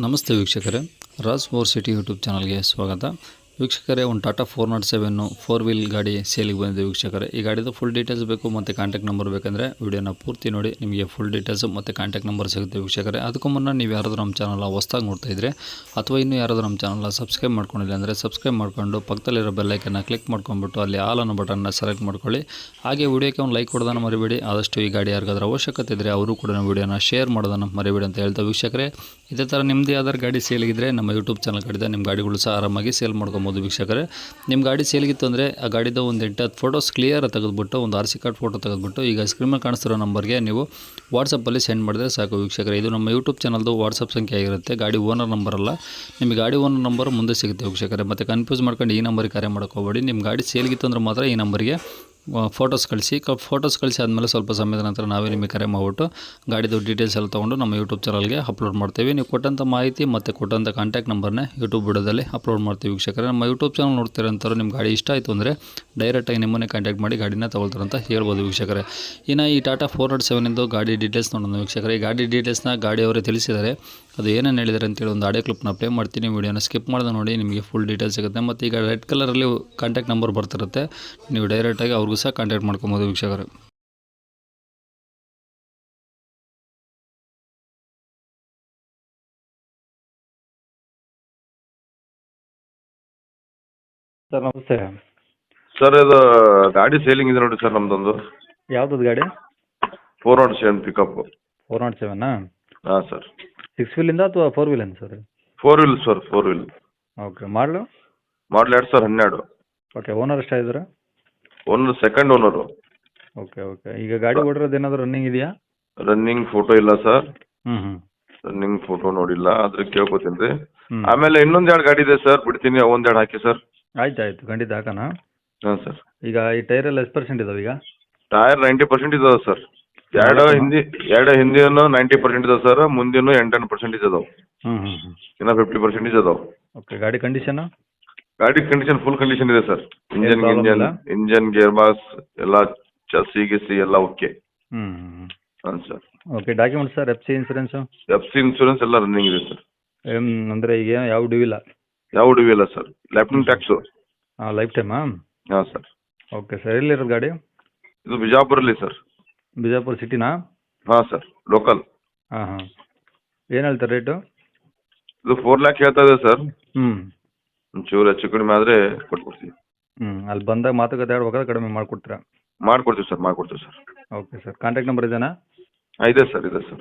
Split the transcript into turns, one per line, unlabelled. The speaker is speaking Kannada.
ನಮಸ್ತೆ ವೀಕ್ಷಕರೇ, ರಾಜ್ ಫೋರ್ ಸಿಟಿ ಯೂಟ್ಯೂಬ್ ಚಾನಲ್ಗೆ ಸ್ವಾಗತ. ವೀಕ್ಷಕರೇ, ಒಂದು ಟಾಟಾ 407 4 ವೀಲ್ ಗಾಡಿ ಸೇಲಿಗೆ ಬಂದಿದೆ ವೀಕ್ಷಕರೇ. ಈ ಗಾಡಿದು ಫುಲ್ ಡೀಟೇಲ್ಸ್ ಬೇಕು ಮತ್ತು ಕಾಂಟ್ಯಾಕ್ಟ್ ನಂಬರ್ ಬೇಕಂದರೆ ವಿಡಿಯೋನ ಪೂರ್ತಿ ನೋಡಿ, ನಿಮಗೆ ಫುಲ್ ಡೀಟೇಲ್ಸ್ ಮತ್ತು ಕಾಂಟ್ಯಾಕ್ಟ್ ನಂಬರ್ ಸಿಗುತ್ತೆ ವೀಕ್ಷಕರೇ. ಅದಕ್ಕೂ ಮುನ್ನ ನೀವು ಯಾರಾದರೂ ನಮ್ಮ ಚಾನಲ್ನ ಹೊಸದಾಗಿ ನೋಡ್ತಾ ಇದ್ದರೆ ಅಥವಾ ಇನ್ನೂ ಯಾರಾದರೂ ನಮ್ಮ ಚಾನಲ್ನ ಸಬ್ಸ್ಕ್ರೈಬ್ ಮಾಡ್ಕೊಂಡಿಲ್ಲ ಅಂದರೆ ಸಬ್ಸ್ಕ್ರೈಬ್ ಮಾಡ್ಕೊಂಡು ಪಕ್ಕದಲ್ಲಿರೋ ಬೆಲ್ಲೈಕನ್ನ ಕ್ಲಿಕ್ ಮಾಡ್ಕೊಂಡ್ಬಿಟ್ಟು ಅಲ್ಲಿ ಆಲ್ ಅನ್ನೋ ಬಟನ್ನ ಸೆಲೆಕ್ಟ್ ಮಾಡ್ಕೊಳ್ಳಿ. ಹಾಗೆ ವಿಡಿಯೋಕ್ಕೆ ಒಂದು ಲೈಕ್ ಕೊಡೋದನ್ನು ಮರಿಬೇಡಿ. ಆದಷ್ಟು ಈ ಗಾಡಿ ಯಾರಿಗಾದ್ರೂ ಅವಶ್ಯಕತೆ ಇದ್ದರೆ ಅವರು ಕೂಡ ವಿಡಿಯೋನ ಶೇರ್ ಮಾಡೋದನ್ನು ಮರಿಬೇಡಿ ಅಂತ ಹೇಳ್ತಾ ವೀಕ್ಷಕರೇ, ಇದೇ ಥರ ನಿಮ್ಮದೇ ಯಾವ್ದಾರು ಗಾಡಿ ಸೇಲಿಗಿದ್ರೆ ನಮ್ಮ ಯೂಟ್ಯೂಬ್ ಚಾನಲ್ ಕಡೆದ ನಿಮ್ಮ ಗಾಡಿಗಳು ಸಹ ಆರಾಮಾಗಿ ಸೇಲ್ ಮಾಡ್ಕೊಬೋದು ವೀಕ್ಷಕರೇ. ನಿಮ್ಮ ಗಾಡಿ ಸೇಲಿಗಿತ್ತು ಅಂದರೆ ಆ ಗಾಡಿದ ಒಂದು 8-10 ಫೋಟೋಸ್ ಕ್ಲಿಯರ್ ತೆಗೆದುಬಿಟ್ಟು ಒಂದು RC ಕಾರ್ಡ್ ಫೋಟೋ ತೆಗೆದುಬಿಟ್ಟು ಈಗ ಸ್ಕ್ರೀನ್ ಮೇಲೆ ಕಾಣಿಸ್ತಿರೋ ನಂಬರ್ಗೆ ನೀವು ವಾಟ್ಸಪ್ಪಲ್ಲಿ ಸೆಂಡ್ ಮಾಡಿದ್ರೆ ಸಾಕು ವೀಕ್ಷಕರೇ. ಇದು ನಮ್ಮ ಯೂಟ್ಯೂಬ್ ಚಾನಲ್ದು ವಾಟ್ಸಪ್ ಸಂಖ್ಯೆ ಆಗಿರುತ್ತೆ, ಗಾಡಿ ಓನರ್ ನಂಬರ್ ಅಲ್ಲ. ನಿಮಗೆ ಗಾಡಿ ಓನರ್ ನಂಬರ್ ಮುಂದೆ ಸಿಗುತ್ತೆ ವೀಕ್ಷಕರೇ. ಮತ್ತು ಕನ್ಫ್ಯೂಸ್ ಮಾಡ್ಕೊಂಡು ಈ ನಂಬರಿಗೆ ಕರೆ ಮಾಡೋಕ್ಕೋಗಬೇಡಿ. ನಿಮ್ಮ ಗಾಡಿ ಸೇಲಿಗಿತ್ತು ಅಂದ್ರೆ ಮಾತ್ರ ಈ ನಂಬರಿಗೆ ಫೋಟೋಸ್ ಕಳಿಸಿ ಆದಮೇಲೆ ಸ್ವಲ್ಪ ಸಮಯದ ನಂತರ ನಾವೇ ನಿಮಗೆ ಕರೆ ಮಾಡಿಬಿಟ್ಟು ಗಾಡಿದು ಡೀಟೇಲ್ಸ್ ಎಲ್ಲ ತೊಗೊಂಡು ನಮ್ಮ ಯೂಟ್ಯೂಬ್ ಚಾನಲ್ಗೆ ಅಪ್ಲೋಡ್ ಮಾಡ್ತೀವಿ. ನೀವು ಕೊಟ್ಟಂಥ ಮಾಹಿತಿ ಮತ್ತು ಕೊಟ್ಟಂಥ ಕಾಂಟ್ಯಾಕ್ಟ್ ನಂಬರ್ನೇ ಯೂಟ್ಯೂಬ್ ವಿಡಿಯೋದಲ್ಲಿ ಅಪ್ಲೋಡ್ ಮಾಡ್ತೀವಿ ವೀಕ್ಷಕರೇ. ನಮ್ಮ ಯೂಟ್ಯೂಬ್ ಚಾನಲ್ ನೋಡ್ತಿರೋಂಥವ್ರು ನಿಮ್ಮ ಗಾಡಿ ಇಷ್ಟ ಆಯಿತು ಅಂದರೆ ಡೈರೆಕ್ಟಾಗಿ ನಿಮ್ಮನ್ನೇ ಕಾಂಟ್ಯಾಕ್ಟ್ ಮಾಡಿ ಗಾಡಿನ ತೊಗೊಳ್ತಾರಂತ ಹೇಳ್ಬೋದು ವೀಕ್ಷಕರೇ. ಇನ್ನು ಈ ಟಾಟಾ 407 ಗಾಡಿ ಡೀಟೇಲ್ಸ್ ನೋಡೋಣ ವೀಕ್ಷಕರೇ. ಈ ಗಾಡಿ ಡೀಟೇಲ್ಸ್ನ ಗಾಡಿಯವರೇ ತಿಳಿಸಿದ್ದಾರೆ, ಅದು ಏನೇನು ಹೇಳಿದ್ದಾರೆ ಅಂತೇಳಿ ಒಂದು ಆಡಿಯೋ ಕ್ಲಿಪ್ನ ಪ್ಲೇ ಮಾಡ್ತೀನಿ. ವೀಡಿಯೋನ ಸ್ಕಿಪ್ ಮಾಡಿದ ನೋಡಿ, ನಿಮಗೆ ಫುಲ್ ಡೀಟೇಲ್ಸ್ ಸಿಗುತ್ತೆ. ಮತ್ತು ಈಗ ರೆಡ್ ಕಲರಲ್ಲಿ ಕಾಂಟ್ಯಾಕ್ಟ್ ನಂಬರ್ ಬರ್ತಿರುತ್ತೆ, ನೀವು ಡೈರೆಕ್ಟಾಗಿ ಅವ್ರಿಗೂ ಸಹ ಕಾಂಟ್ಯಾಕ್ಟ್ ಮಾಡ್ಕೊಬೋದು ವೀಕ್ಷಕರೇ.
ಸರ್ ನಮಸ್ತೆ.
ಸರ್ ಇದು ಗಾಡಿ ಸೇಲಿಂಗ್ ಇದೆ ನೋಡಿ ಸರ್, ನಮ್ದೊಂದು
ಯಾವ್ದು ಗಾಡಿ?
407 ಪಿಕಪ್.
407ನಾ?
ಹಾಂ ಸರ್.
6 ವೀಲಿಂದ ಅಥವಾ 4 ವೀಲಿಂದ ಸರ್?
4 ವೀಲ್ ಸರ್, 4 ವೀಲ್.
ಓಕೆ. ಮಾಡಲು?
ಮಾಡಲ್ 2012.
ಓಕೆ. ಓನರ್ ಎಷ್ಟಾಗಿದ್ದಾರೆ?
Owner second owner.
Okay okay. ಈಗ ಗಾಡಿ ಓಡಿರೋದು ಏನಾದರೂ ರನ್ನಿಂಗ್ ಇದೆಯಾ?
ರನ್ನಿಂಗ್ ಫೋಟೋ ಇಲ್ಲ ಸರ್,
ಹ್ಞೂ
ರನ್ನಿಂಗ್ ಫೋಟೋ ನೋಡಿಲ್ಲ, ಅದ್ರ ಕೇಳ್ಕೊತೀನಿ ರೀ.
ಹ್ಞೂ
ಆಮೇಲೆ ಇನ್ನೊಂದೆರಡು ಗಾಡಿ ಇದೆ ಸರ್, ಬಿಡ್ತೀನಿ, ಒಂದೆರಡು ಹಾಕಿ ಸರ್.
ಆಯ್ತು ಖಂಡಿತ ಹಾಕೋಣ.
ಹಾಂ ಸರ್.
ಈಗ ಈ ಟೈರೆಲ್ಲ ಎಷ್ಟು ಪರ್ಸೆಂಟ್ ಇದಾವೆ ಈಗ?
ಟೈರ್ 90% ಇದಾವೆ ಸರ್. ಎರಡು ಹಿಂದಿನೂ 90% ಇದಾವೆ ಸರ್, ಮುಂದಿನೂ 8-10% ಇದಾವೆ.
ಹ್ಞೂ
ಇನ್ನು 50% ಇದಾವೆ.
ಓಕೆ. ಗಾಡಿ ಕಂಡೀಷನು?
ಗಾಡಿ ಕಂಡೀಷನ್ ಫುಲ್ ಕಂಡೀಷನ್ ಇದೆ ಸರ್.
problem ಇಲ್ಲ?
ಇಂಜನ್ ಗೇರ್ ಬಾಕ್ಸ್ ಎಲ್ಲ ಗಿಸಿ ಎಲ್ಲ ಓಕೆ.
ಹ್ಞೂ
ಹಾಂ sir.
Okay. Documents sir, FC insurance?
FC insurance ಎಲ್ಲ ರನ್ನಿಂಗ್ ಇದೆ ಸರ್.
ಅಂದರೆ ಈಗ ಯಾವ ಡ್ಯೂ ಇಲ್ಲ?
ಯಾವ ಡ್ಯೂ ಇಲ್ಲ ಸರ್. ಲ್ಯಾಪ್ಟಿಂಗ್ ಟ್ಯಾಕ್ಸು.
ಹಾಂ, ಲೈಫ್ ಟೈಮಾ?
ಹಾಂ ಸರ್.
Okay sir. ಎಲ್ಲಿರೋದು ಗಾಡಿ?
ಇದು ಬಿಜಾಪುರಲ್ಲಿ ಸರ್.
ಬಿಜಾಪುರ ಸಿಟಿನಾ?
ಹಾಂ ಸರ್, ಲೋಕಲ್.
ಹಾಂ ಏನು ಹೇಳ್ತಾರೆ ರೇಟು?
ಇದು 4 ಲ್ಯಾಕ್ ಹೇಳ್ತಾ ಇದೆ ಸರ್.
ಹ್ಞೂ
ಒಂಚೂರು ಹೆಚ್ಚು ಕಡಿಮೆ ಆದರೆ ಕೊಟ್ಕೊಡ್ತೀವಿ.
ಅಲ್ಲಿ ಬಂದಾಗ ಮಾತುಕತೆ ಆಡ್ಬೇಕಾದ್ರೆ ಕಡಿಮೆ ಮಾಡಿಕೊಡ್ತೀರಾ?
ಮಾಡ್ಕೊಡ್ತೀವಿ sir.
Okay sir. Contact number ಇದೆಯಾ?
ಇದೆ ಸರ್, ಇದೆ ಸರ್.